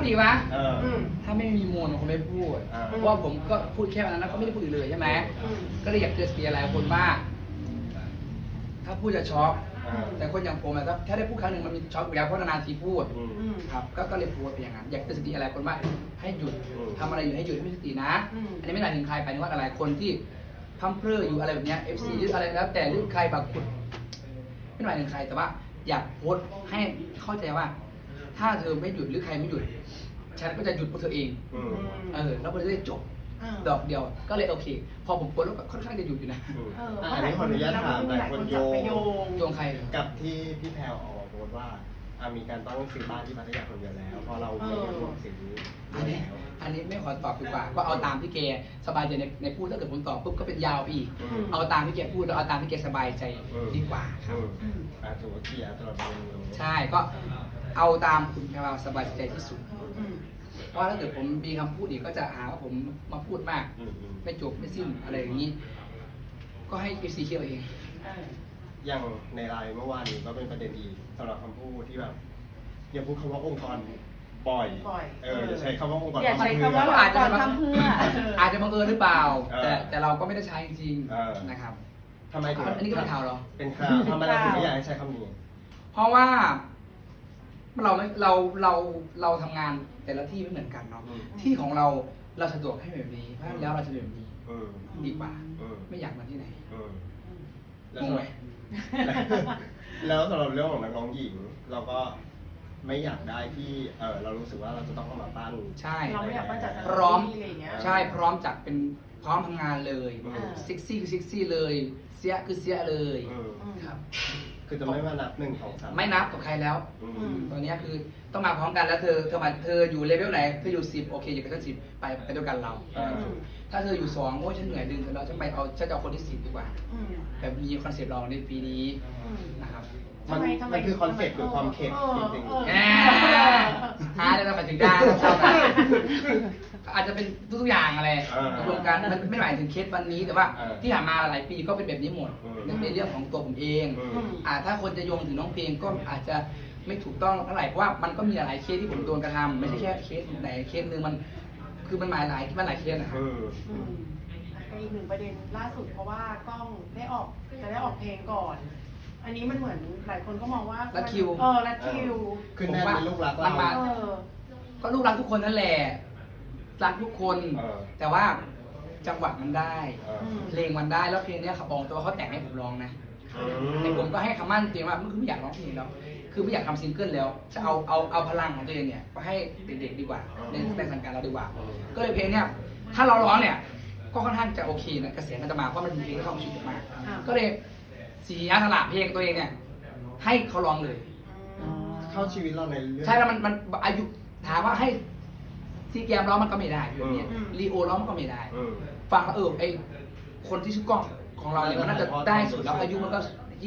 ดีวะอืมถ้าไม่มีมูลผมไม่พูดเพราะว่าผมก็พูดแค่วันนั้นแล้วก็ไม่ได้พูดอีกเลยใช่ไหมก็เลยอยากเตือนสติอะไรคนว่าถ้าพูดจะช็อกแต่คนอย่างผมอะถ้าได้พูดครั้งหนึ่งมันมีช็อกอยู่แล้วเพราะนานๆทีพูดครับก็เลยพูดไปอย่างนั้นอยากเตือนสติอะไรคนว่าให้หยุดทำอะไรอยู่ให้หยุดให้มีสตินะอันนี้ไม่ได้ถึงใครไปนึกว่าอะไรคนที่พัมเพลออยู่อะไรแบบเนี้ย FC หรืออะไรแล้วแต่หรือใครบางคนไม่หมายถึงใครแต่ว่าอยากโพสต์ให้เข้าใจว่า ถ้าเธอไม่หยุดหรือใครไม่หยุดฉันก็จะหยุดพวกเธอเองแล้วมันจะได้จบดอกเดียวก็เลยโอเคพอผมโพสต์แล้วก็ค่อนข้างจะหยุดอยู่นะอันนี้ขออนุญาตถามหลายคนโยงใครกับที่พี่แพรวออกมาโพสต์ว่ามีการตั้งซื้อบ้านที่พัทยาคนเดียวแล้วพอเราไม่ได้ร่วมสิ่งนี้อันนี้ไม่ขอตอบดีกว่าก็เอาตามที่แกสบายใจในพูดถ้าเกิดผมตอบปุ๊บก็เป็นยาวอีกเอาตามที่แกพูดแล้วเอาตามที่แกสบายใจดีกว่าครับถือว่าเคลียร์สำหรับเราใช่ก็เอาตามคุณแพรวสบายใจที่สุดเพราะถ้าเกิดผมมีคำพูดอีกก็จะหาว่าผมมาพูดมากไม่จบไม่สิ้นอะไรอย่างนี้ก็ให้ FC เคี่ยวเองอย่างในไลน์เมื่อวานนี้ก็เป็นประเด็นอีกสำหรับคำพูดที่แบบอย่าพูดคำว่าองค์กรบ่อยอย่าใช้คำว่าองค์กรอย่าใช้คำว่าอาจจะทำเพื่ออาจจะบังเอิญหรือเปล่าแต่เราก็ไม่ได้ใช้จริงๆนะครับทำไมถึงอันนี้ก็เป็นข่าวเหรอเป็นข่าวทำไมเราถึงไม่อยากให้ใช้คำนี้เพราะว่าเราทำงานแต่ละที่ไม่เหมือนกันเนาะที่ของเราสะดวกให้แบบนี้เพราะฉะนั้นแล้วเราจะแบบนี้ดีกว่าไม่อยากมาที่ไหนงงไหมแล้วสำหรับเรื่องของนักร้องหญิงเราก็ไม่อยากได้ที่เรารู้สึกว่าเราจะต้องเข้ามาปั้นใช่เราไม่อยากปั้นจัดพร้อมใช่พร้อมจัดเป็นพร้อมทำงานเลยเซ็กซี่คือเซ็กซี่เลยเสียคือเสียเลยครับคือจะไม่มานับ1 2 3 ไม่นับกับใครแล้วตอนนี้คือต้องมาพร้อมกันแล้วเธออยู่เลเวลไหนเธออยู่10โอเคอยู่กับฉัน10ไปด้วยกันเราถ้าเธออยู่2โอ้ยฉันเหนื่อยดึงเธอแล้วฉันจะเอาคนที่10ดีกว่าแบบมีคอนเซปต์เราในปีนี้นะครับมันคือคอนเซปต์หรือความเข็ดจริงๆหาได้เราถึงได้เราชอบอาจจะเป็นทุกอย่างอะไรรวมกันมันไม่หมายถึงเคสวันนี้แต่ว่าที่ผ่านมาหลายปีก็เป็นแบบนี้หมดในเรื่องของตัวผมเองถ้าคนจะโยงถึงน้องเพลงก็อาจจะไม่ถูกต้องเท่าไหร่เพราะว่ามันก็มีหลายเคสที่ผมโดนกระทำไม่ใช่แค่เคสไหนเคสนึงมันคือมันหลายเคสนะครับอีก1ประเด็นล่าสุดเพราะว่ากล้องจะได้ออกเพลงก่อนอันนี้มันเหมือนหลายคนก็มองว่าลัดคิวคือแน่เป็นลูกรักเราก็ลูกรักทุกคนนั่นแหละรักทุกคนแต่ว่าจังหวะมันได้เพลงมันได้แล้วเพลงนี้เขาบอกตัวเขาแต่งให้ผมร้องนะแต่ผมก็ให้คำมั่นตัวเองว่ามันคือไม่อยากร้องเพลงแล้วคือไม่อยากทำซิงเกิลแล้วจะเอาพลังของตัวเองเนี่ยไปให้เด็กๆดีกว่าในสังกัดเราดีกว่าก็เลยเพลงเนี้ยถ้าเราร้องเนี่ยก็ค่อนข้างจะโอเคนะกระแสมันจะมาเพราะมันเป็นเพลงที่เข้าชีวิตมากก็เลยเสียสละเพลงตัวเองเนี่ยให้เขาร้องเลยเข้าชีวิตเราในเรื่องใช่แล้วมันอายุถามว่าให้ซีแกมร้องมันก็ไม่ได้อยู่เนี่ยลีโอร้องมันก็ไม่ได้ฟังแล้วไอคนที่ชื่อกล้องของเราเนี่ยมันน่าจะได้สุดแล้วอายุมันก็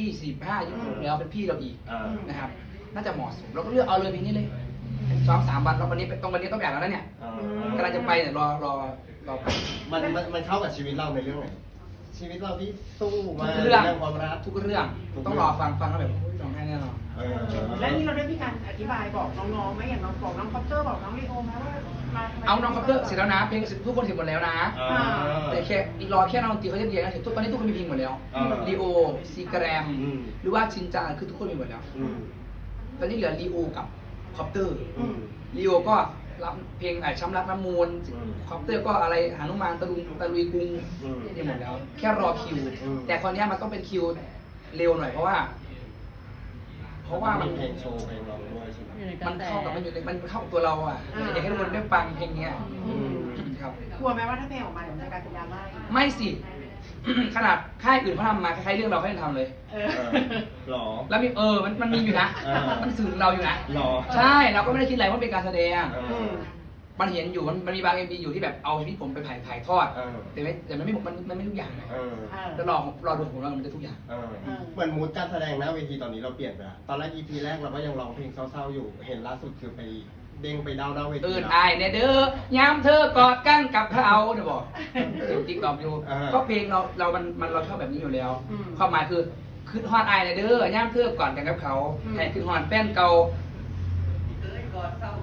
25-26แล้วเป็นพี่เราอีกนะครับน่าจะเหมาะสมเราก็เลือกเอาเลยเพลงนี้เลย2-3 วันแล้ววันนี้ต้องแบบแล้วเนี่ยกำลังจะไปเนี่ยรอไปมันเข้ากับชีวิตเราในเรื่องไหนชีวิตเราที่สู้มาเรื่องความรักทุกเรื่องต้องรอฟังแล้วแบบร้องไห้แน่นอนแล้วนี่เราได้มีการอธิบายบอกน้องๆไหมอย่างน้องบอกน้องคอปเตอร์บอกน้องลีโอไหมว่าเอาน้องคอปเตอร์เสร็จแล้วนะเพลงทุกคนเสร็จหมดแล้วนะแต่แค่รอแค่น้องดนตรีเขาจะเรียนนะตอนนี้ทุกคนมีเพลงหมดแล้วลีโอซีแกรมหรือว่าชินจาคือทุกคนมีหมดแล้วตอนนี้เหลือลีโอกับคอปเตอร์ลีโอก็รับเพลงช้ำรักน้ำมูลคอปเตอร์ก็อะไรหานุมานตะลุยกรุงนี่หมดแล้วแค่รอคิวแต่คราวนี้มันต้องเป็นคิวเร็วหน่อยเพราะว่ามันเพลงโชว์เพลงร้องด้วยใช่ไหมมันเข้ากับมันเข้ากับตัวเราอ่ะอยากให้ทุกคนได้ฟังเพลงนี้ครับกลัวไหมว่าถ้าเพลงออกมาเดี๋ยวมันจะกลายเป็นดราม่าไม่สิขนาดค่ายอื่นเขาทำมาคล้ายๆเรื่องเราเขายังทำเลยหรอแล้วมีมันมีอยู่นะมันสื่อเราอยู่นะหรอใช่เราก็ไม่ได้คิดอะไรว่าเป็นการแสดงมันเห็นอยู่มันมีบางMVอยู่ที่แบบเอาชีวิตผมไปถ่ายทอดแต่มันไม่ทุกอย่างแล้วรอดูของเรามันจะทุกอย่างเหมือนมูดการแสดงหน้าเวทีตอนนี้เราเปลี่ยนไปตอนแรก EP แรกเราก็ยังร้องเพลงเศร้าๆอยู่เห็นล่าสุดคือไปเด้งไปดาวหน้าเวทีอายเนี่ยเด้อยามเธอกอดกันกับเขาเดี๋ยวบอกติ๊กตอกอยู่ก็เพลงเราชอบแบบนี้อยู่แล้วความหมายคือฮอดอายเนี่ยเด้อย่ามเธอกอดกันกับเขาให้คือฮอดแฟนเก่า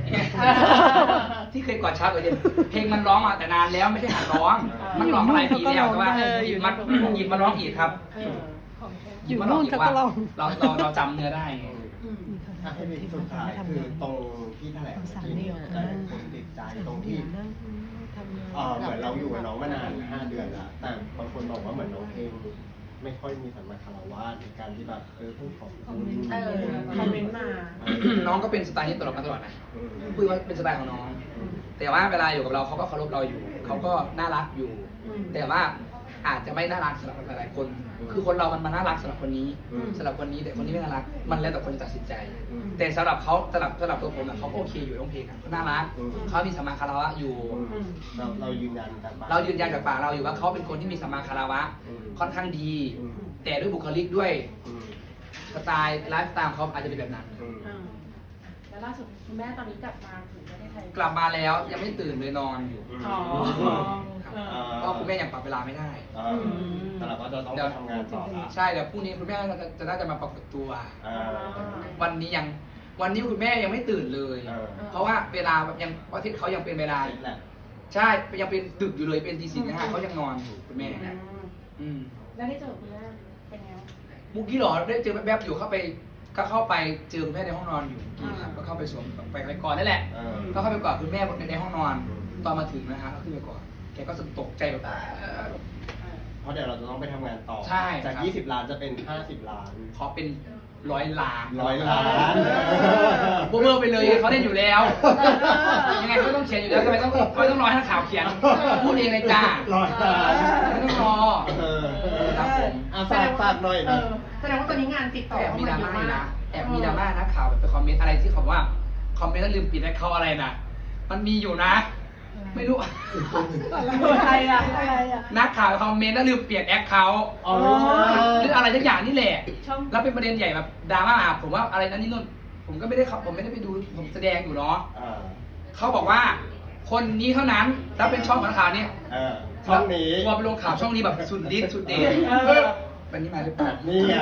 ที่เคยกอดเช้ากอดเย็นเพลงมันร้องมาแต่นานแล้วไม่ใช่หัดร้อง มันร้องมาหลายปีแล้วแต่ว่าหยิบมาร้องอีกครับอยู่นู่นเขาก็ลองเราจำเนื้อได้ไงอ่ะให้เป็นสุดท้ายคือตรงที่แถลงที่หลายคนติดใจตรงที่เหมือนเราอยู่กับน้องมานาน5 เดือนแล้วแต่บางคนบอกว่าเหมือนน้องเพลงไม่ค่อยมีสัมมาคารวะในการที่แบบพูดของคุณคอมเมนต์มาน้องก็เป็นสไตล์นี้ตลอดมาตลอดนะพูดว่าเป็นสไตล์ของน้อง แต่ว่าเวลาอยู่กับเราเขาก็เคารพเราอยู่เขาก็น่ารักอยู่ แต่ว่าอาจจะไม่น่ารักสำหรับหลายๆคน คือคนเรามันน่ารักสำหรับคนนี้สำหรับคนนี้แต่คนนี้ไม่น่ารักมันแล้วแต่คนจะตัดสินใจ แต่สำหรับเขาสำหรับตัวผมอะเขาก็โอเคอยู่ร้องเพลงอะเขาน่ารักเขามีสัมมาคารวะอยู่เรายืนยันกันเรายืนยันจากปากเราอยู่ว่าเขาเป็นคนที่มีสัมมาคารวะค่อนข้างดี แต่ด้วยบุคลิกด้วยสไตล์ไลฟ์สไตล์ของเขาอาจจะเป็นแบบนั้นแล้วล่าสุดคุณแม่ตอนนี้กลับมาถึงประเทศไทยกลับมาแล้วยังไม่ตื่นเลยนอนอยู่อ๋อครับเพราะคุณแม่ยังปรับเวลาไม่ได้แต่เราก็จะต้องทำงานต่อละใช่เดี๋ยวพรุ่งนี้คุณแม่จะน่าจะมาปรากฏตัว วันนี้คุณแม่ยังไม่ตื่นเลย เพราะว่าเวลายังประเทศเขายังเป็นเวลา ใช่ยังเป็นดึกอยู่เลยเป็นตี 4 ตี 5เขายังนอนอยู่คุณแม่แล้วได้เจอคุณแม่เป็นไงมุกกี้หรอได้เจอแวบๆอยู่เข้าไปเจอคุณแม่ในห้องนอนอยู่ครับก็เข้าไปสวมไปก่อนนั่นแหละก็เข้าไปกอดคุณแม่ในห้องนอนตอนมาถึงนะฮะก็ขึ้นไปก่อนแกก็ตกใจแบบเพราะเดี๋ยวเราจะต้องไปทำงานต่อใช่จาก20 ล้านจะเป็น50 ล้านขอเป็น100 ล้าน 100 ล้านโบเบอร์ไปเลยเขาเล่นอยู่แล้ว ยังไงก็ต้องเขียนอยู่แล้วทำไมต้องรอให้นักข่าวเขียนพูดเองเลยจ้า 100 ล้านไม่ต้องรอครับผมฝากหน่อยนะแสดงว่าตอนนี้งานติดต่อแอบมีดราม่าเยอะนะแอบมีดราม่านักข่าวแบบไปคอมเมนต์อะไรที่เขาว่าคอมเมนต์แล้วลืมปิดให้เขาอะไรนะมันมีอยู่นะ ไม่รู้อะไรอ่ะนักข่าวคอมเมนต์แล้วลืมเปลี่ยนแอคเขาหรืออะไรสักอย่างนี่แหละแล้วเป็นประเด็นใหญ่แบบดราม่าผมว่าอะไรนั้นนี่นู่นผมก็ไม่ได้ผมไม่ได้ไปดูผมแสดงอยู่เนาะเขาบอกว่าคนนี้เท่านั้นแล้วเป็นช่องข่าวเนี่ยช่องนี้ว่าไปลงข่าวช่องนี้แบบสุดฤทธิ์สุดเดชวันนี้มาหรือเปล่านี่ไง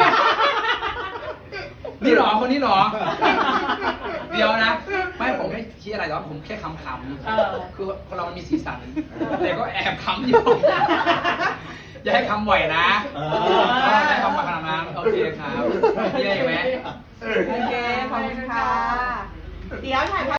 นี่หรอคนนี้หรอ เดี๋ยวนะไม่ผมไม่คิดอะไรหรอกผมแค่ขำๆคือคนเรามันมีสีสันแต่ก็แอบขำอยู่ อย่าให้คำบ่อยนะอย่าให้คำมาขนาดนั้นโอเคครับมีอะไรไหมโอเคขอบคุณค่ะเดี๋ยวถ่าย